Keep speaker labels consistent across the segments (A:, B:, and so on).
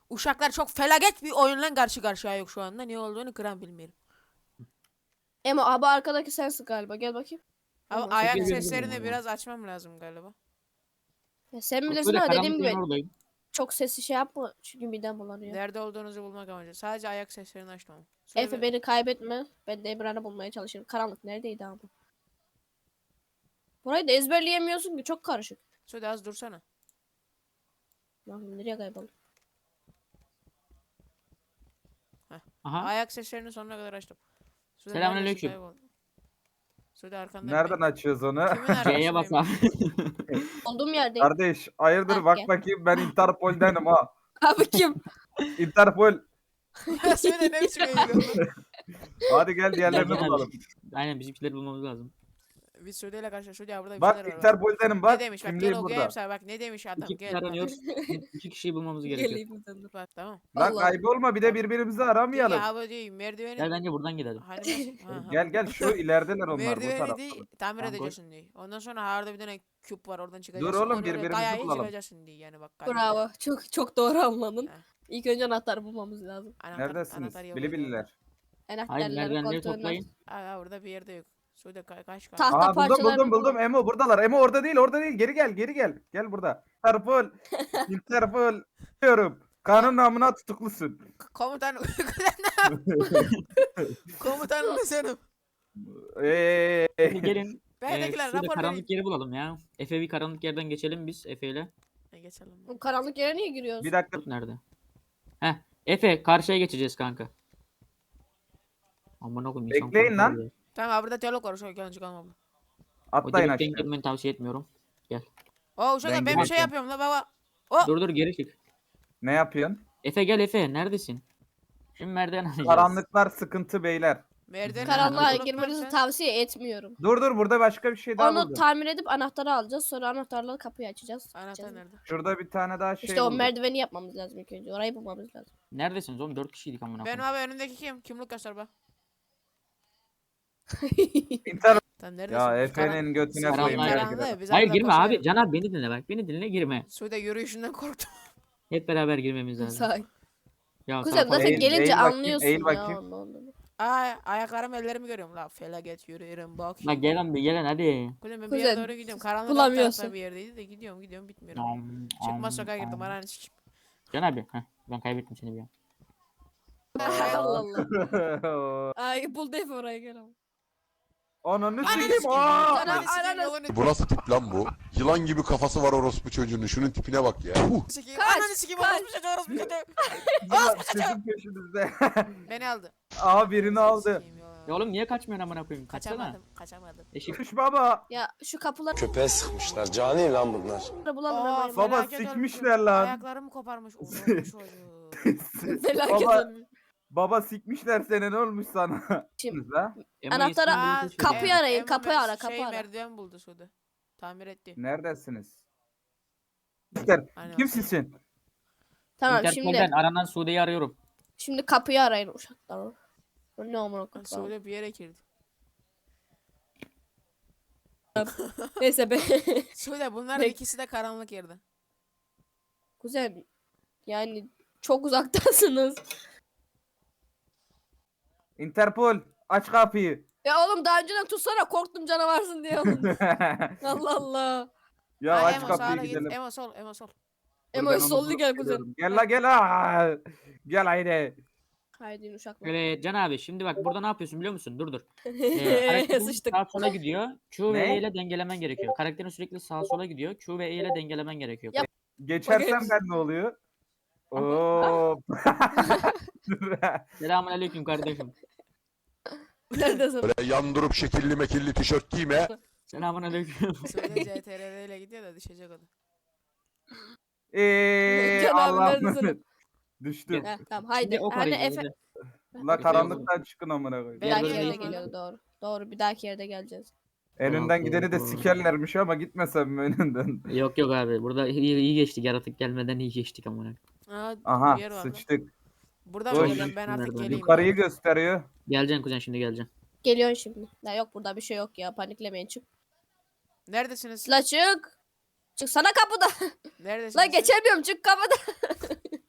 A: Uşaklar çok felaket bir oyunla karşı karşıya yok şu anda. Ne olduğunu kıran bilmiyorum.
B: Emo abi arkadaki sensin galiba. Gel bakayım.
A: Ama
B: Tamam.
A: ayak
C: Çekil gözüm
A: seslerini
C: ya.
A: biraz açmam lazım galiba.
B: Ya sen bilirsin
C: Böyle
B: ama dediğim
C: karanlık
B: gibi
C: yerin oradayım.
B: çok sesli şey yapma. Çünkü midem bulanıyor.
A: Nerede olduğunuzu bulmak amacı. Sadece ayak seslerini açmam.
B: Efe beni kaybetme. Ben de Emran'ı bulmaya çalışırım. Karanlık neredeydi abi? Burayı da ezberleyemiyorsun ki. Çok karışık.
A: Sude az dursana.
B: Bakayım nereye kayboldum?
C: Aha.
A: Ayak seslerini sonuna kadar açtım. Sude
C: Selamünaleyküm.
A: neredesin? Kayboldun. Sude arkanda.
D: Nereden açıyoruz onu?
A: Kimin
C: C'ye bas
A: arkasındayım?
C: abi.
B: Olduğum yerdeyim.
D: Kardeş hayırdır
B: Ah,
D: bak
B: gel.
D: bakayım ben Interpol'denim ha.
B: Abi kim?
D: Interpol.
A: Ya Sude ne biçim eğiliyorsun?
D: Hadi gel diğerlerini
C: Gel, gel abi.
D: bulalım.
C: Aynen bizimkileri bulmamız lazım.
A: Biz Sude ile karşı Sude ya burada bir
D: Bak
A: şeyler var.
D: Interpol'denim bak.
A: Ne demiş bak gel
D: Kimliğim
A: okuyayım
D: burada.
A: sana bak ne demiş adam
C: İki
A: gel.
C: kişi aranıyoruz. İki kişiyi bulmamız gerekiyor.
A: Bak tamam.
D: Lan
B: Allah.
D: kaybolma bir de birbirimizi
A: Diyor
D: aramayalım.
A: ya abi diyor merdiveni.
C: Gel bence buradan gidelim.
A: Hani nasıl? Ha, ha.
D: Gel gel şu ilerideler onlar bu
A: Merdiveni
D: tarafta.
A: değil tamir
C: Tamam,
A: edeceksin diyor. Ondan sonra orada bir tane küp var oradan çıkacaksın.
D: oğlum,
A: onu öyle
D: birbirimizi
A: kayayı
D: bulalım.
A: çıkacaksın diyor yani bak. kayaya.
B: Bravo. Çok doğru anladın.
A: Ha.
B: İlk önce anahtarı bulmamız lazım.
D: Neredesiniz?
A: yok
D: Bili
A: orada.
D: bililer.
C: Hayır
B: Anahtarları
C: merdivenleri
B: koltuğundan.
C: toplayın.
A: Aa orada bir yerde yok. Sude kaç
B: Tahta
D: Aa buldum
B: parçalarını
D: buldum
B: bulalım.
D: Emo buradalar. Emo orada değil orada değil. Geri gel geri gel. Gel burada. Interpol. Interpol. Diyorum. Kanun namına tutuklusun.
A: Komutan komutanım senin.
C: Hadi gelin.
A: Bendekiler
C: Şurada
A: rapor verin.
C: karanlık yeri bulalım ya. Efe bir karanlık yerden geçelim biz Efe ile.
A: Geçelim.
B: Bu karanlık yere niye giriyoruz?
D: Bir dakika.
C: Tut nerede? Heh. Efe karşıya geçeceğiz kanka. Aman oğlum insan
D: Bekleyin lan.
C: korkuyor ya.
A: Tamam abi burada diyalog var. Şöyle gelin çıkalım abla.
C: O
D: Atlayın
C: direkten
D: aşağı.
C: girmeni tavsiye etmiyorum.
A: Oo uşaklar ben bir şey
D: gireceğim.
A: yapıyorum la baba. Oh.
C: Dur geri çık.
D: Ne yapıyorsun?
C: Efe gel Efe neredesin? Şimdi merdiven alacağız.
D: Karanlıklar sıkıntı beyler.
A: Merdiven
B: Karanlığa
A: bulup
B: girmenizi
A: sen-
B: tavsiye etmiyorum.
D: Dur burada başka bir şey daha
B: Onu
D: buldum.
B: tamir edip anahtarı alacağız. Sonra anahtarla kapıyı açacağız.
A: Anahtar
B: Açacağız.
A: nerede?
D: Şurada bir tane daha şey
B: İşte o
D: buldum.
B: merdiveni yapmamız lazım ilk önce. Orayı bulmamız lazım.
C: Neredesiniz oğlum? 4 kişiydik amına
A: Benim
C: koyayım.
A: abi önümdeki kim? Kimlik göster bak.
D: İnter
A: Sen neredesin?
D: ya Efe'nin götüne
C: Karanlığa
D: koyayım.
C: girdim.
D: belki de.
A: Karanlığı, biz
C: Hayır
A: arada
C: girme abi.
A: koşuyoruz.
C: Can abi beni dinle bak. Beni dinle girme.
A: Sude yürüyüşünden korktum.
C: Hep beraber girmemiz lazım.
B: Sakin.
C: Ya
B: Kuzen
C: sağ-
B: zaten
D: Eğil-
B: gelince
D: eğil bakayım,
B: anlıyorsun
D: eğil
B: ya.
D: bakayım.
B: ondan.
A: Ay ayaklarım ellerimi görüyorum la. Felaket yürüyorum bak.
C: Bak gelen bir gelen hadi.
A: Kuzen ben bir
B: Kuzen,
A: yere doğru gidiyorum. Karanlık alt
B: bulamıyorsun.
A: tarafta bir yerdeydi de gidiyorum bitmiyorum. Çıkmaz sokağa girdim ananı sikeyim.
C: Can abi. Heh, ben kaybettim seni bir an.
B: Allah Allah. Ay buldu Efe orayı gel ama.
D: Ananı
A: Ananı
D: sikeyim.
A: sikeyim.
D: Aa!
A: Ananı sikeyim
B: Ananı-
A: yolunu
E: Bu nasıl tip lan bu? Yılan gibi kafası var orospu çocuğunun. Şunun tipine bak ya.
A: sikeyim.
B: Kaç,
A: Ananı sikeyim.
B: kaç.
A: Orospu çocuğu.
D: Ya, sizin peşinizde.
A: Beni aldı.
D: Aa birini aldı.
A: Sikeyim ya.
C: Ya oğlum niye kaçmıyorsun amına koyayım? Kaçsana.
A: Kaçamadım.
C: Eşik.
D: Kuş baba.
B: Ya şu kapıları
F: Köpeğe sıkmışlar. Cani lan bunlar.
B: bulamıyorum.
D: baba,
A: felaket
D: sikmişler
A: olmuşum.
D: lan.
A: Ayaklarımı koparmış. Orospu çocuğu.
B: Felaket
D: baba,
B: olmuş.
D: baba sikmişler seni ne olmuş sana?
B: Şimdi-
D: La?
C: Emo
B: Anahtara-
C: iyisin,
A: Aa,
C: bulursun
B: kapıyı
C: şimdi.
B: arayın, kapıyı ara, kapıyı ara.
A: Merdiven buldu Sude. Tamir etti.
D: Neredesiniz? Siktir.
A: Aynen.
D: Kimsin?
B: Tamam
C: Interpol'den aranan Sude'yi arıyorum.
B: şimdi kapıyı arayın uşaklar. O ne amına koyayım.
A: Sude bir yere girdi.
B: Neyse be.
A: Sude bunların
B: Peki.
A: ikisi de karanlık yerde.
B: Kuzen yani çok uzaktasınız.
D: Interpol aç kapıyı.
B: Ya oğlum daha önceden tutsana korktum canavarsın diye oğlum. Allah Allah.
D: ya
A: Aa,
D: aç
A: Emo
D: kapıyı
A: sağa git.
D: gidelim.
A: Emo sol, Emo sol.
D: Dur,
B: Emo'yu
D: ben onu
B: sollu
D: bulup
B: gel kuzen.
D: geliyorum. Gel la gel la. Gel haydi.
B: Haydi uşaklar.
C: Böyle Can abi şimdi bak burada ne yapıyorsun biliyor musun? Dur. Karakterin
B: Sıçtık.
C: sağa sola gidiyor. Q ve
D: Ne?
C: E ile dengelemen gerekiyor. Karakterin sürekli sağa sola gidiyor. Q ve E ile dengelemen gerekiyor.
B: Yap.
D: Geçersem
B: Bakayım.
D: ben ne oluyor? Oo.
C: Selamünaleyküm kardeşim.
B: Neredesin?
E: Böyle yandırıp şekilli mekilli tişört giyme.
C: Selamünaleyküm.
A: Sude CTRL ile gidiyor da düşecek o da.
B: Can abi
D: Allah'ım.
B: neredesin?
D: Düştüm.
B: Heh, tamam
C: Şimdi
B: haydi.
C: ok
B: Hani
C: arayacağız.
B: Efe
C: hadi.
D: La karanlıktan çıkın amına koyayım.
B: bir
C: Diğer
B: dahaki
C: bölüme
B: yerde
C: geçelim.
B: geliyordu doğru. Doğru bir dahaki yerde geleceğiz.
D: En önden gideni de
C: Doğru.
D: sikerlermiş ama gitmesem mi önünden?
C: Yok abi burada iyi geçtik yaratık gelmeden iyi geçtik amına.
A: Aa,
D: Aha
A: bir yer var lan.
D: sıçtık.
A: Burada
D: Koş.
A: mı geliyorum ben artık
C: Nereden?
A: geleyim.
D: Yukarıyı
A: ya.
D: gösteriyor.
C: Geleceksin kuzen şimdi geleceksin.
B: Geliyorsun şimdi. Ya yok burada bir şey yok ya paniklemeyin çık.
A: Neredesiniz?
B: La çık. Çık sana kapıda.
A: Neredesiniz?
B: La
A: siz?
B: geçemiyorum çık kapıda.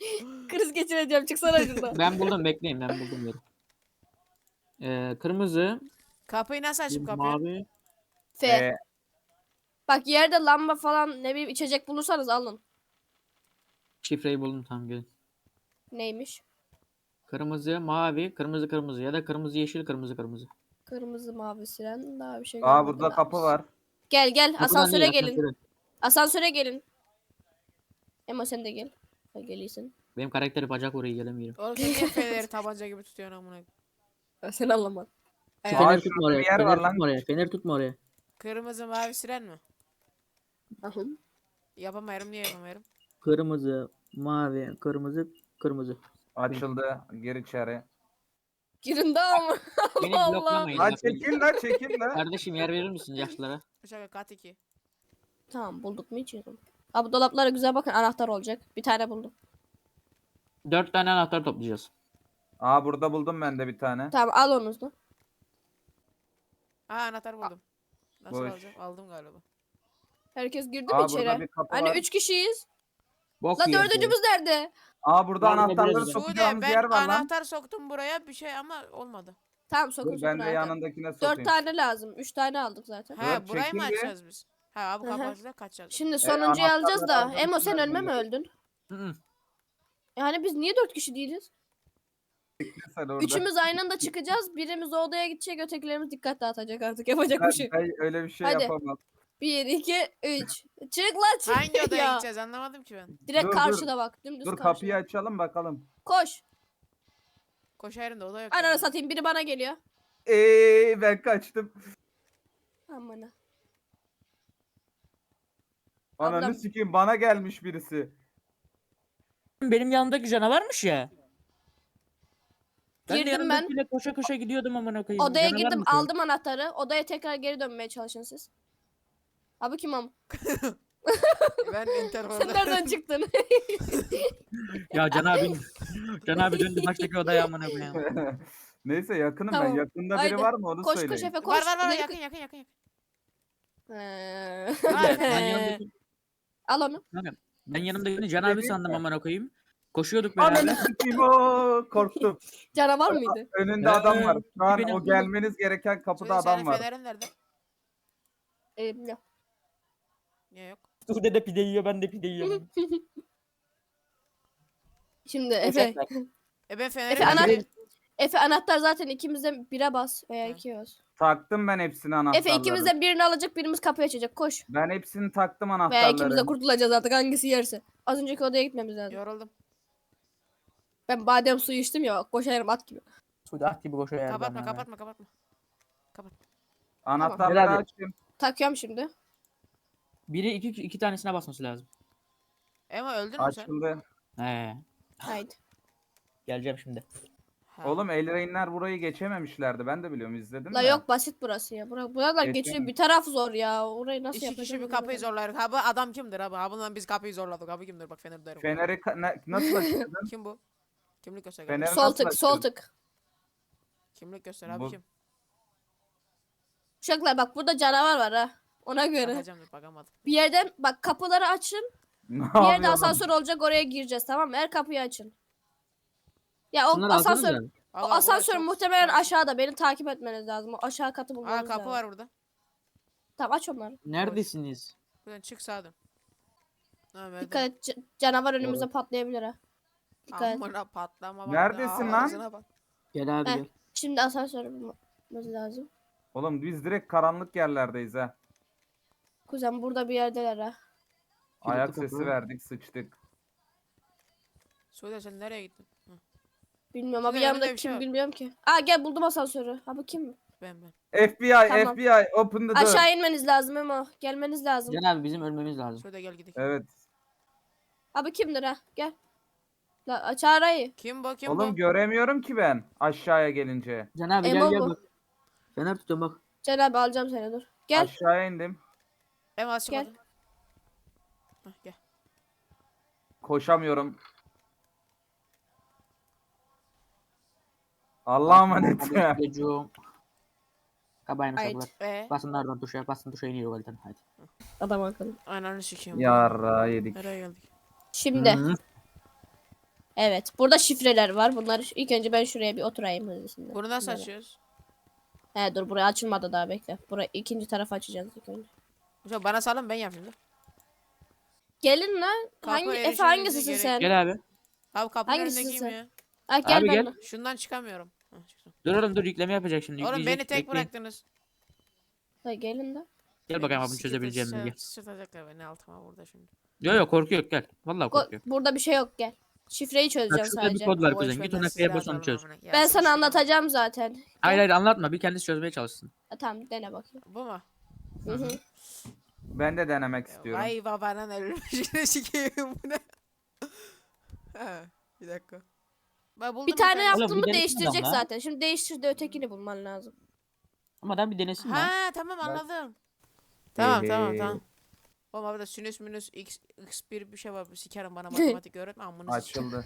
B: Kriz geçireceğim. Çıksana şuradan.
C: Ben buldum, bekleyin, ben buldum yeri. Kırmızı,
A: Kapıyı nasıl açıp kapıyorsun?
C: mavi,
B: F. Bak yerde lamba falan ne bileyim içecek bulursanız alın.
C: şifreyi buldum, tamam gelin.
B: Neymiş?
C: Kırmızı, mavi, kırmızı kırmızı ya da kırmızı yeşil, kırmızı kırmızı.
B: Kırmızı mavi siren daha bir şey
D: Aa
B: görmedim
D: burada
B: abi.
D: kapı var.
B: Gel gel
C: Kapıdan
B: asansöre
C: değil,
B: gelin.
C: asansöre.
B: Asansöre gelin. Emo sen de gel. Ha, geliyorsun.
C: Benim karakteri bacak oraya gelemiyorum.
A: Oğlum sen niye fenerleri tabanca gibi tutuyorsun amına?
B: Ha, sen anlamadın.
C: Şu
D: Aa,
C: fener
D: şurada
C: tutma oraya,
D: bir yer
C: fener
D: var lan.
C: tutma oraya, fener tutma oraya.
A: Kırmızı mavi siren mi?
B: Aha.
A: Yapamıyorum, niye yapamıyorum?
C: Kırmızı, mavi, kırmızı, kırmızı.
D: Açıldı. Gir içeri.
B: Girin daha mı?
C: Beni
B: Allah.
C: bloklamayın.
D: Lan
C: bak.
D: çekil lan çekil lan.
C: Kardeşim yer verir misin yaşlılara?
A: Şaka kat 2.
B: Tamam bulduk mu hiç yiyorum. Abi dolaplara güzel bakın anahtar olacak. Bir tane buldum.
C: 4 tane anahtar toplayacağız.
D: Aa burada buldum ben de bir tane.
B: Tamam al onu da.
A: Aa anahtar buldum. Nasıl
D: Boş.
A: alacağım? Aldım galiba.
B: Herkes girdi mi
D: Aa
B: içeri?
D: burada bir kapı
B: Hani
D: var.
B: 3 kişiyiz.
C: Bok
B: La
C: yiyorsun.
B: dördüncümüz nerede?
D: Aa burada
C: Var mı
D: anahtarları
C: biraz?
D: sokacağımız
A: Sude
D: yer
A: ben
D: var lan.
A: anahtar soktum buraya bir şey ama olmadı.
B: Tamam sokun
D: Dur
B: sokun
D: ben de
B: anahtar.
D: yanındakine
B: 4
D: sokayım.
B: tane lazım. 3 tane aldık zaten.
A: Ha
D: Dur,
A: burayı mı
D: çekil bir.
A: açacağız biz? Ha abi
B: Hı hı.
A: kapatacağız kaçacağız.
B: Şimdi sonuncuyu alacağız da.
D: anahtarları
B: Emo sen
D: aldım,
B: ölme mi
D: bunları.
B: öldün?
C: Hı hı.
B: Yani biz niye 4 kişi değiliz?
D: Sen orada.
B: Üçümüz aynı anda çıkacağız. Birimiz o odaya gidecek, ötekilerimiz dikkat dağıtacak artık. Yapacak bir şey.
D: Ben öyle bir şey
B: Hadi.
D: yapamam.
B: 1, 2, 3. Çık lan çık.
A: Hangi odaya
B: Ya.
A: gideceğiz anlamadım ki ben.
B: Direkt
D: Dur, dur.
B: karşıda bak. Dümdüz
D: Dur
B: karşıda.
D: kapıyı açalım bakalım.
B: Koş.
A: Koşarım da oda yok.
B: Ananı
A: yani.
B: satayım. Biri bana geliyor.
D: Ben kaçtım.
B: Aman.
D: Ananı
B: Ablam.
D: sikeyim bana gelmiş birisi.
C: Benim yanımdaki canavarmış ya. Ben de
B: Girdim ben.
C: yanımdakiyle koşa koşa gidiyordum amına koyayım.
B: Odaya
C: Canavar
B: girdim.
C: mısın?
B: Aldım anahtarı. Odaya tekrar geri dönmeye çalışın siz. Abi kim am?
A: Ben
B: Sen
A: Interpol'da.
B: nereden çıktın?
C: Ya Can abi döndü baştaki odaya amına koyayım.
D: Neyse yakınım ben.
B: Tamam.
D: Yakında
B: Haydi.
D: biri var mı onu
B: Koş
D: söyleyin.
B: koş Efe koş.
A: Var var var
B: İleri
A: yakın
B: koş.
A: yakın yakın. yakın.
C: Ben yanımdaki,
B: Al onu.
C: ben yanımdakini Can abi sandım amına koyayım. Koşuyorduk beraber.
D: Ananı sikeyim o korktum.
B: Canavar mıydı?
D: Önünde adam var. Şu an
C: Benim-
D: o gelmeniz gereken kapıda
A: Sude
D: adam
A: senin
D: var.
A: fenerin nerede?
B: Elimde.
A: Niye yok?
C: Sude de pide yiyor, ben de pide yiyorum.
B: Şimdi Efe.
A: Ben fenerim
B: Efe,
A: nerede?
B: Efe anahtar zaten ikimizden bire bas veya
A: Hı.
B: 2'ye bas.
D: Taktım ben hepsini anahtarları.
B: Efe ikimizden birini alacak birimiz kapıyı açacak. Koş.
D: Ben hepsini taktım
B: Veya
D: anahtarları.
B: ikimiz de kurtulacağız artık hangisi yerse. Az önceki odaya gitmemiz lazım.
A: Yoruldum.
B: Ben badem suyu içtim ya koşarım at gibi.
C: Sude at gibi koşuyor yani.
A: Kapatma kapatma kapatma.
D: Anahtarları
C: Tamam.
D: açtım.
B: Takıyorum şimdi.
C: Biri iki tanesine basması lazım.
A: Ema öldün mü sen?
D: Açıldı.
C: He.
B: Haydi.
C: Geleceğim şimdi.
A: Ha.
D: Oğlum Elrain'ler burayı geçememişlerdi. Ben de biliyorum izledim
B: La
D: de.
B: yok basit burası ya. Buralar
D: Geçelim.
B: geçiyor. Bir taraf zor ya. Orayı nasıl
A: İki
B: yapacağız?
A: kişi bir kapıyı zorlar. Ha bu adam kimdir abi? Ha bundan biz kapıyı zorladık. Abi kimdir? Bak fener derim.
D: Feneri nasıl açtın?
A: Kim bu? Kimlik göster.
D: Fener-
A: Fener...
B: Sol
D: nasıl
B: tık sol
D: açıyorsun?
B: tık.
A: Kimlik göster abi
D: Bu-
A: kim?
B: Uşaklar bak burada canavar var ha. Ona göre.
A: Bakacağım dur bakamadım.
B: Bir yerden bak kapıları açın.
D: Ne
B: Bir yerde
D: yapıyorsun?
B: asansör olacak oraya gireceğiz tamam mı? Her kapıyı açın. Ya o
C: Bunları
B: asansör
C: alsanıza.
B: o
A: Allah,
B: asansör
A: burası çok-
B: muhtemelen aşağıda. Beni takip etmeniz lazım. O aşağı katı bulmanız
A: Aa kapı
B: lazım.
A: var burada.
B: Tamam aç onları.
C: Neredesiniz?
A: Buradan çık sağa dön. Ha, verdim.
B: Dikkat et canavar önümüze patlayabilir ha. Dikkat et.
A: Amına patlama. bak.
D: Neredesin lan?
A: Ağzına bak.
C: Gel abi
B: Heh.
C: gel.
B: Şimdi asansör bulmamız lazım.
D: Oğlum biz direkt karanlık yerlerdeyiz ha.
B: Kuzen burada bir yerdeler ha.
D: Ayak
C: kapı.
D: sesi verdik sıçtık.
A: Sude sen nereye gittin? Hı,
B: Bilmiyorum abi
A: Kuzen, önünde
B: yanımda
A: bir şey
B: kim
A: var.
B: bilmiyorum ki. Aa gel buldum asansörü. Abi kim?
A: ben.
D: FBI,
B: Tamam.
D: FBI, open the door.
B: Aşağı inmeniz lazım ama gelmeniz lazım.
C: Can abi bizim ölmemiz lazım.
A: Sude gel gidelim.
D: Evet.
B: Abi kimdir ha? Gel. La aç arayı.
A: Kim bu? Kim
D: Oğlum
A: bu?
D: göremiyorum ki ben aşağıya gelince.
C: Can abi
B: Emo
C: gel
B: bu.
C: bak. Fener tutuyorum bak.
B: Can abi alacağım seni dur. Gel.
D: Aşağıya indim.
A: Ema az
B: Gel.
A: çıkmadı. Hah, gel.
D: Koşamıyorum. Allah'a emanet.
C: Hadi çocuğum. Kabayın
B: Haydi.
C: uşaklar. Basın nereden tuşa, basın tuşa iniyor validen hadi.
B: Adam akıllı.
A: Ananı sikeyim.
D: Yarra yedik.
A: Nereye geldik?
B: Şimdi
C: Hı.
B: Evet. Burada şifreler var. Bunları ilk önce ben şuraya bir oturayım hızlısında.
A: Bunu nasıl
B: Böyle.
A: açıyoruz?
B: He dur buraya açılmadı daha bekle. Buraya ikinci tarafı açacağız ilk önce.
A: Hocam bana salın ben yapayım da.
B: Gelin lan.
A: Kapı
B: Hangi Efe
A: erişimimize
B: hangisisin
A: gerek-
B: sen?
C: Gel abi.
A: Abi kapının
B: Hangisisin
A: önündekiyim
B: sen?
A: ya.
B: Ha, gel
C: Abi gel.
B: benimle.
A: Şundan çıkamıyorum. Hah, çıktım.
C: Dur oğlum dur yükleme yapacak şimdi.
A: Oğlum
C: yükleyecek,
A: beni tek
C: bekleyin.
A: bıraktınız.
B: Ha, gelin de.
C: Gel bakalım abim çözebileceğim mi diye.
A: Sırtacaklar beni altıma burada şimdi.
C: Yok yok korkuyor gel. Vallahi korkuyor.
B: Burada bir şey yok gel. Şifreyi
C: Bak
B: çözeceğim
C: şurada bir
B: sadece.
C: kod var
A: Boş
C: kuzen.
A: ver,
C: Git
A: ben
C: ona
A: sizi
C: kaya bas onu
A: atarım
C: çöz.
A: amına. Ya
B: Ben
A: siz
B: sana
A: şunu-
B: anlatacağım zaten.
C: Hayır hayır anlatma bir kendisi çözmeye çalışsın.
B: Ha, tamam dene bakayım.
A: Bu mu?
B: Hı hı.
D: Ben de denemek
A: Ya
D: istiyorum.
A: Vay babanın ölmüşüne sikeyim bu ne? Ha, bir dakika. Ben buldum
B: Bir tane
A: tane.
B: yaptın
C: Oğlum,
B: mı
C: bir denesin
B: değiştirecek
C: adam lan.
B: zaten. Şimdi değiştir de ötekini bulman lazım.
C: Ama adam bir denesin lan.
A: Ha tamam anladım. Tamam tamam tamam. Oğlum abi de sinüs minüs x1 bir şey var. Sikerim bana matematik öğretme amına sikeyim.
D: Açıldı.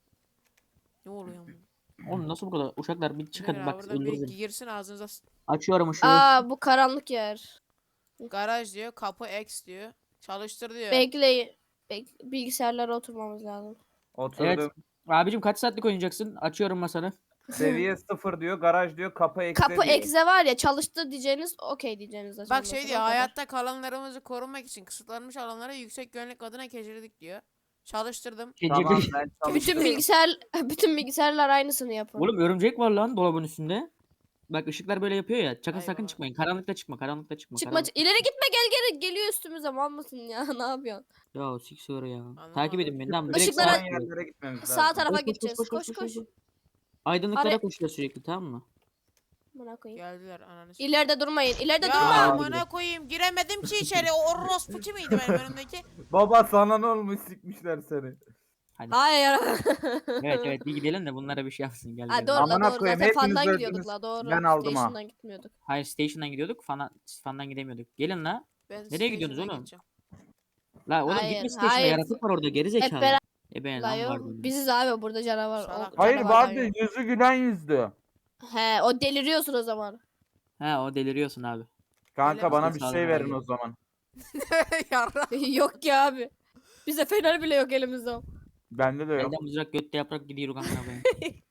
A: Ne oluyor amına?
C: Oğlum nasıl burada uşaklar bir çıkın
A: Nedir
C: bak
A: abi, buradan biri
C: öldürürüm.
A: girsin ağzınıza
C: Açıyorum ışığı.
B: Aa bu karanlık yer.
A: garaj diyor, kapı X diyor. Çalıştır diyor.
B: Bekleyin. Bilgisayarlara oturmamız lazım.
D: Oturdum.
C: Abicim kaç saatlik oynayacaksın? Açıyorum masanı.
D: Seviye 0 diyor. Garaj diyor. Kapı eksi
B: Kapı
D: diyor.
B: egze var ya çalıştı diyeceğiniz okey diyeceğiniz.
A: Bak
B: açılması,
A: şey
B: o
A: diyor
B: kadar.
A: hayatta kalanlarımızı korumak için kısıtlanmış alanlara yüksek güvenlik adına geçirdik diyor. Çalıştırdım.
D: Tamam ben
B: Bütün
D: çalıştım.
B: bütün bilgisayarlar aynısını yapın.
C: Oğlum örümcek var lan dolabın üstünde. Bak ışıklar böyle yapıyor ya. Sakın
A: Ay
C: sakın
A: baba.
C: çıkmayın. Karanlıkta çıkma. Karanlıkta çıkma.
B: Çıkma
C: karanlıkta.
B: ileri gitme geliyor üstümüze mal mısın ya ne yapıyorsun?
C: Ya sik sonra ya.
A: Anlamadım.
C: Takip edin beni. Tamam. Direkt
B: Işıklara-
C: sağa
D: Olan yerlere gitmemiz lazım.
B: Sağ tarafa
C: Koş, koş,
B: gideceğiz.
C: koş,
B: Koş
C: koş,
B: koş.
C: koş. Aydınlıklara
B: Abi-
C: koşuyor sürekli tamam mı?
B: Bana koyayım.
A: Geldiler ananı sikeyim.
B: İleride durmayın. İleride
A: Ya
B: durma.
A: amına koyayım giremedim ki içeri. O orospu kimiydi benim önümdeki?
D: Baba sana ne olmuş sikmişler seni.
B: Hayır.
C: Evet evet bir gidelim de bunlara bir şey yapsın. Gel
B: Ha
C: gel.
B: doğru la
D: Amına
B: doğru.
D: koyayım,
B: Zaten
D: hepiniz
B: fandan
D: öldünüz.
B: gidiyorduk la doğru.
D: Ben aldım ha.
B: Station'dan gitmiyorduk.
C: Hayır station'dan gidiyorduk. Fandan gidemiyorduk. Gelin la.
A: Ben
C: Nereye gidiyorsunuz
A: station'a
C: oğlum?
A: gideceğim.
C: La oğlum
B: Hayır,
C: gitme station'a
B: hayır.
C: yaratık var orada geri zekalı.
B: beraber-
C: Ben
B: La
C: lan
B: yok.
C: var benim.
B: Biziz abi burada canavar.
A: Salak.
D: Hayır
B: canavarlar
D: vardı
B: yok.
D: yüzü gülen yüzdü.
B: He o deliriyorsun o zaman.
C: He o deliriyorsun abi.
D: Kanka
A: Öyle
D: bana
C: mi?
D: bir
C: Sağ
D: şey
C: olun
D: verin
C: abi.
D: o zaman.
A: Yarra.
B: Yok ya abi. Bize fener bile yok elimizde.
D: Bende de yok.
C: Elden mızrak götte yaprak gidiyor kanka ben.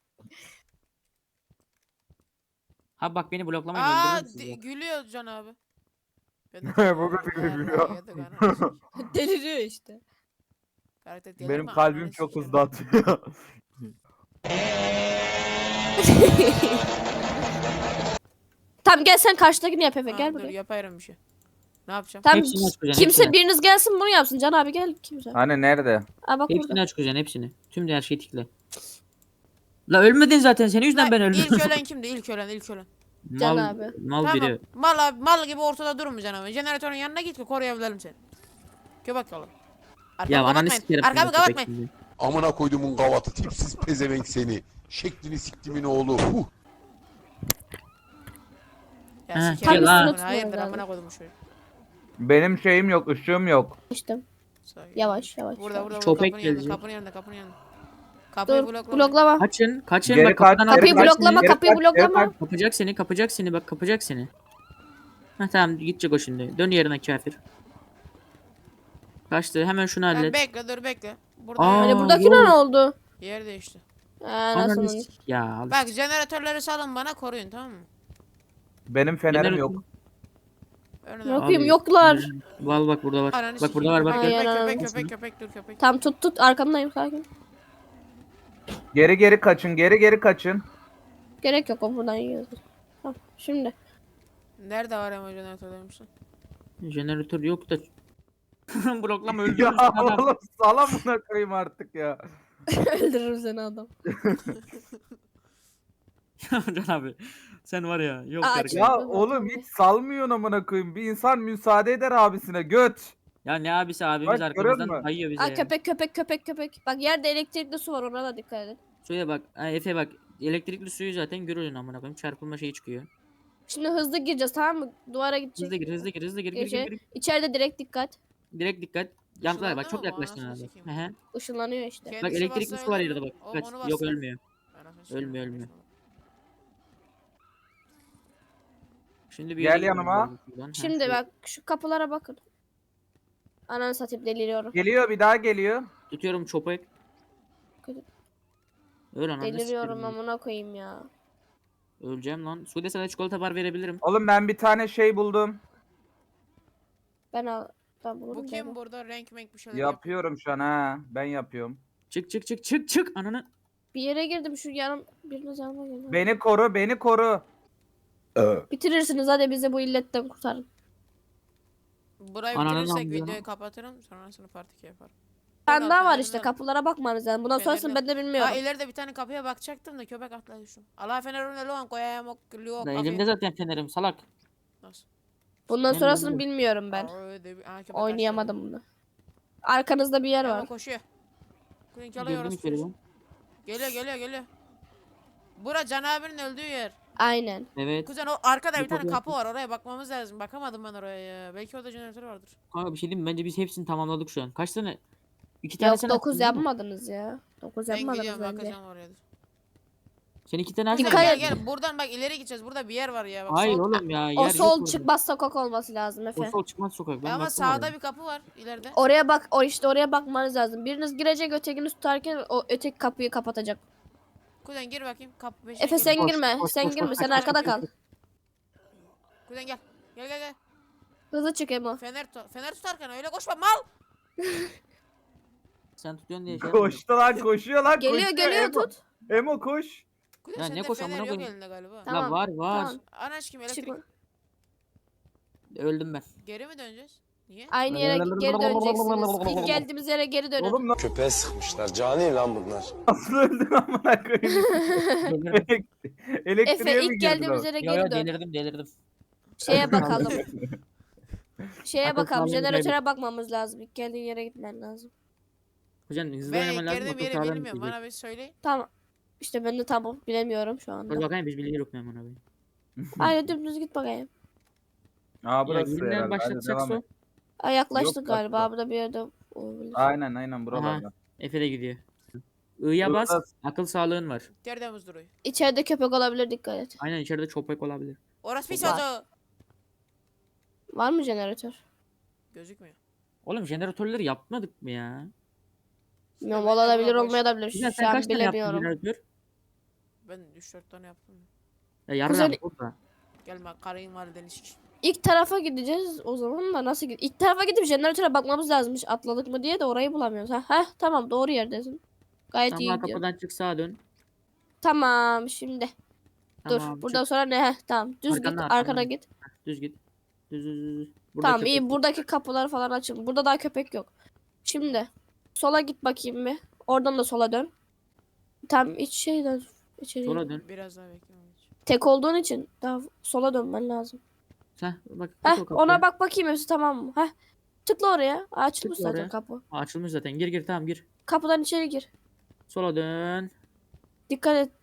C: Ha bak beni bloklamayın
A: Aa
C: öldürürüm sizi.
A: gülüyor Can abi. Ben
D: Bu kadar gülüyor.
B: Deliriyor işte.
A: Karakter delirme,
D: Benim kalbim
A: ananı
D: çok
A: sikerim.
D: hızlı atıyor.
B: Tamam gel sen karşıdakini yap Efe
A: Ha,
B: gel
A: dur
B: buraya.
A: yaparım bir şey. Ne yapacağım?
B: Tamam
C: Hepsini aç kuzen,
B: kimse
C: hepsini.
B: biriniz gelsin bunu yapsın. Can abi gel kimse.
D: Hani nerede?
B: Aa bak
C: Hepsini
B: burada.
C: aç kuzen hepsini. Tüm her şeyi tikle. La ölmedin zaten senin yüzünden ben öldüm.
A: İlk ölen kimdi? İlk ölen.
B: Can
C: mal,
B: abi.
C: Mal
A: Tamam.
C: biri.
A: Mal gibi ortada durmayacaksın ama. Jeneratörün yanına git ki koruyabilirim seni. Köpek yolu.
C: Ya ananı
A: kapatmayın.
C: sikerim.
A: Arkamı
C: seni, köpek
A: kapatmayın.
C: gibi.
E: Amına koyduğumun gavatı tipsiz pezevenk seni. Şeklini siktimin oğlu.
A: Ya
C: Ha,
A: sikerim
C: gel
A: ben
C: lan.
A: bunu. Hayırdır
B: Tutmuyor
A: amına koydum şu.
D: Benim şeyim yok, ışığım yok.
B: İşte
A: Sakin.
B: yavaş.
A: Burada
C: Köpek
A: kapının yanında,
C: gelecek.
A: kapının yanında. Kapıyı
B: Dur
A: bloklama.
B: bloklama.
C: Kaçın
D: Geri
C: bak
D: kaç,
C: kapıdan
B: Kapıyı
C: aldım.
B: bloklama
D: Geri
B: kapıyı
D: kaç, geri
B: bloklama.
D: kaç.
C: Kapacak seni bak kapacak seni. Ha tamam gidecek o şimdi. Dön yerine kafir. Kaçtı hemen şunu
A: Ben
C: hallet.
A: bekle bekle. Burada
C: Aa,
B: Hani
A: yer,
B: buradakine
C: yok.
B: ne oldu?
A: yer değişti.
B: Nasıl?
C: Ananı sik- Ya al.
A: Bak jeneratörleri salın bana koruyun tamam mı?
D: Benim fenerim
C: Jeneratör-
D: yok.
A: Önüne
B: Yok
A: bak.
B: yapayım
C: Abi,
B: yoklar.
C: Val bak burada var.
A: Ananı
C: Bak burada var bak.
A: sikeyim.
C: gel.
B: Ay,
A: Köpek dur köpek.
B: Tam tut arkandayım sakin.
D: Geri kaçın, geri kaçın.
B: Gerek yok o buradan yiyoruz. Tamam şimdi.
A: Nerede var ama jeneratör demişsin?
C: Jeneratör yok da. Bloklama
D: Ya
C: öldürürsün adam.
D: oğlum sala buna koyayım artık ya.
B: Öldürürüm seni adam.
C: Can abi. Sen var ya. Yok
B: Aa,
C: derken.
D: Ya oğlum hiç salmıyorsun amına koyayım. Bir insan müsaade eder abisine göt.
C: Ya ne abisi abimiz
D: Bak, görüyor
C: arkamızdan
D: musun?
C: kayıyor bize
B: Aa
C: ya.
B: köpek. Bak yerde elektrikli su var ona da dikkat edin.
C: Suya bak. Ha, Efe bak. Elektrikli suyu zaten görüyorsun amına koyayım. Çarpılma şeyi çıkıyor.
B: Şimdi hızlı gireceğiz tamam mı? Duvara gidecek.
C: Hızlı gir.
B: Gir. İçeride direkt dikkat.
C: Direkt dikkat. Yanlar bak
A: Işınlandı
C: çok
A: mı bu?
C: yaklaştın
A: Anasını
C: abi.
A: sikeyim.
C: Hı hı.
B: Işınlanıyor işte.
C: Bak
A: Kendisi
C: elektrikli
A: bassa
C: su var
A: ölür
C: yerde
A: mü?
C: bak.
A: O-
C: Kaç.
A: onu
C: Yok
A: bassa-
C: ölmüyor.
A: Anasını sikeyim,
C: Ölmüyor.
A: ölmüyor.
C: Şimdi bir
D: Gel
C: yere gidelim
D: yanıma.
C: buradan, şuradan. Ha,
B: Şimdi bak şu kapılara bakın. Ananı satayım deliriyorum.
D: Geliyor bir daha geliyor.
C: Tutuyorum çopayı. Öl ananı
B: Deliriyorum
C: sikerim.
B: amına koyayım ya.
C: Öleceğim lan. Sude sana çikolata bar verebilirim.
D: Oğlum ben bir tane şey buldum.
B: Ben bulurum
A: Bu kim
B: böyle.
A: burada renk menk bir şeyler yapıyor.
D: Yapıyorum şu an ha. Ben yapıyorum.
C: Çık çık çık çık çık ananı.
B: Bir yere girdim şu biriniz yanıma gelin.
D: Beni koru, beni koru.
B: Bitirirsiniz hadi bizi bu illetten kurtarın.
A: Burayı
C: Ananı
A: bitirirsek
C: namlıyor.
A: videoyu kapatırım. Sonrasını part 2 yaparım.
B: Bir tane daha var
A: Fenerli
B: işte
A: yok.
B: kapılara bakmanız lazım. Bundan sonrasını ben de
A: Ha
B: bilmiyorum.
A: ileride bir tane kapıya bakacaktım da köpek atladı şu. Allah fenerine loğan koyayım o luo
C: Ben
A: kapıyı.
C: elimde zaten fenerim salak.
A: Nasıl?
B: Bundan
C: Ben
B: sonrasını
C: bilmiyorum.
B: bilmiyorum ben.
A: Aa, öyle bir- Aa, köpek
B: Oynayamadım bunu. Arkanızda bir yer
A: açtı.
B: var.
A: Hemen koşuyor. Kuzen çalıyor
C: Girdim
A: orası.
C: içeri ben.
A: Geliyor. Bura Can abinin öldüğü yer.
B: Aynen.
C: Evet.
A: Kuzen o arkada
C: Bir
A: bir tane
C: kapı
A: kapı var oraya bakmamız lazım. Bakamadım ben oraya ya. Belki orada jeneratör vardır.
C: Kanka bir şey diyeyim mi? Bence biz hepsini tamamladık şu an. Kaç tane? 2
B: Yok
C: tanesini
B: 9
C: açtın değil mi?
B: yapmadınız ya. 9
A: Ben
B: yapmadınız
A: gidiyorum
B: bence.
A: bakacağım oraya. dur.
C: Sen 2 tane
A: Kuzen
C: açtın.
B: Dikkat
A: gel
B: et.
A: gel buradan bak ileri gideceğiz. Burada bir yer var ya. Bak,
C: Hayır
A: sol-
C: oğlum ya.
B: O
C: yer yok
B: sol
C: orada.
B: çıkmaz sokak olması lazım
C: O
B: Efe.
C: sol çıkmaz sokak. Ben
A: Ama
C: baktım
A: sağda
C: oraya.
A: bir kapı var ileride.
B: Oraya bak, o işte oraya bakmanız lazım. Biriniz girecek, ötekiniz tutarken o öteki kapıyı kapatacak.
A: Kuzen gir bakayım. Kapı peşine
B: Efe
A: gir.
B: sen
C: Koş,
B: girme,
C: koş,
B: sen
C: koş,
B: girme,
C: koş,
B: sen
C: koş,
B: arkada
C: koş,
B: kal.
C: koş.
A: Kuzen gel. Gel.
B: Hızlı çık Emo.
A: Fener tutarken öyle koşma mal.
C: Sen tutuyorsun diye şey yapmadım.
D: Koştu lan, koşuyor lan.
B: Geliyor
D: koşuyor.
B: geliyor
D: Emo.
B: tut.
D: Emo koş.
A: Kuzen
C: Ya ne
A: sende
C: koş
A: fener
C: amına
A: yok
C: koyayım.
A: elinde galiba.
B: Tamam,
C: La var.
B: Tamam.
A: Anaç kim elektrik?
B: Çık.
C: Öldüm ben.
A: Geri mi döneceğiz? Niye?
B: Aynı yere geri döneceksiniz. İlk geldiğimiz yere geri dönün.
D: Oğlum
F: Köpeğe sıkmışlar. Cani lan bunlar.
D: nasıl öldün amına koyayım?
C: Delirdim.
D: Elektriğe
B: Efe
D: mi
B: ilk
D: girdin
B: geldiğimiz
D: o?
B: yere
C: Yo
B: geri
C: yo
B: dön.
C: delirdim.
B: Şeye bakalım. Şeye
C: Akıl
B: bakalım.
C: sağlığını
B: Jeneratöre bakmamız lazım. İlk geldiğin yere gitmen lazım.
C: Hocam hızlı
A: Ben
C: oynaman lazım.
A: girdiğim
C: akıl
A: yeri
C: sağlığını
A: bilmiyorum.
C: düşecek.
A: Bana bir söyleyin.
B: Tamam. İşte ben de tamam bilemiyorum şu
C: Dur
B: anda.
C: bakayım biz biliyoruz ne aman abi.
B: Aynen dümdüz git bakayım.
D: Aa
C: Ya
D: burası
C: yeniden
D: herhalde. Hadi
C: başlatacak
D: devam et.
C: su.
B: Ay yaklaştık
D: Yok,
B: galiba.
D: başla.
B: Burada bir yerde olabilir.
D: Aynen buralarda.
C: Efe de gidiyor. I'ya bas.
D: Burada-
C: Akıl sağlığın var.
A: Tertemiz duruyor.
B: İçeride köpek olabilir, dikkat et.
C: Aynen içeride çöpek olabilir.
A: Orası pis
B: Var.
A: oldu.
B: Var mı jeneratör?
A: Gözükmüyor.
C: Oğlum jeneratörleri yapmadık mı ya?
B: Bilmiyorum,
A: Bence
B: olabilir
A: bura boş.
B: olmayabilir.
C: Güzel
B: Şu
C: sen
B: an
C: kaç tane yaptın
B: bilemiyorum.
C: jeneratör?
A: Ben 3-4 tane yaptım.
C: Ya yarın
B: Güzel-
C: burada.
A: Gelme karıyım validen ilişki.
B: İlk tarafa gideceğiz o zaman da nasıl İlk tarafa gidip jeneratöre bakmamız lazımmış. Atladık mı diye de orayı bulamıyoruz. Heh, tamam doğru yerdesin. Gayet iyi
C: Tamam
B: gidiyor.
C: kapıdan çık sağa dön.
B: Tamam şimdi.
C: Tamam,
B: Dur. Buradan sonra ne? Heh, tamam. Düz
C: Arkana,
B: git.
C: arkana.
B: Arkana git.
C: Düz git. Düz. Burada
B: Tamam
C: köpek
B: iyi.
C: yok.
B: Buradaki kapılar falan açıldı. Burada daha köpek yok. Şimdi sola git bakayım bir. Oradan da sola dön. Tam iç şeyden içeri.
C: Sola dön.
A: Biraz daha beklemem.
B: Tek olduğun için daha sola dönmen lazım.
C: Sen bak.
B: Heh,
C: tık o kapıya.
B: ona bak bakayım hepsi tamam mı? Heh. Tıkla oraya. Açılmış
C: Tıkla
B: zaten
C: oraya.
B: kapı.
C: Aa, açılmış zaten. Gir tamam gir.
B: Kapıdan içeri gir.
C: Sola dön.
B: Dikkat et.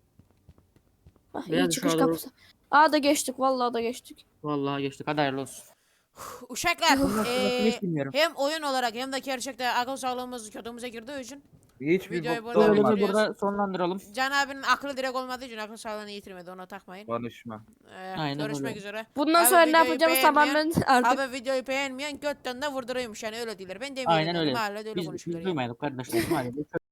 B: Ah, iyi
C: Beyaz
B: çıkış
C: ışığa doğru.
B: kapısı. Aa da geçtik. Vallahi da geçtik.
C: Vallahi geçtik. Hadi hayırlı olsun.
A: Uşaklar
C: Bundan sonrasını hiç bilmiyorum.
A: hem oyun olarak hem de gerçekten akıl sağlığımız kötümüze girdiği için
D: Hiçbir
A: Videoyu
D: bokta
A: burada
C: Böyle
D: olmaz.
A: bitiriyoruz.
C: burada sonlandıralım.
A: Can abinin aklı direkt olmadığı için akıl sağlığını yitirmedi, ona takmayın.
D: Konuşma.
C: Aynen
A: Görüşmek
C: öyle.
A: üzere.
B: Bundan
A: Abi
B: sonra ne
A: videoyu
B: yapacağımız
A: beğenmeyen-
B: tamamen artık.
A: Abi videoyu beğenmeyen götten de vurduruyormuş yani öyle değiller. Ben demeyelim
C: Aynen
A: yani,
C: öyle.
A: mahallede öyle
C: Biz
A: konuşuyorlar yani.
C: duymayalım kardeşler. Hadi.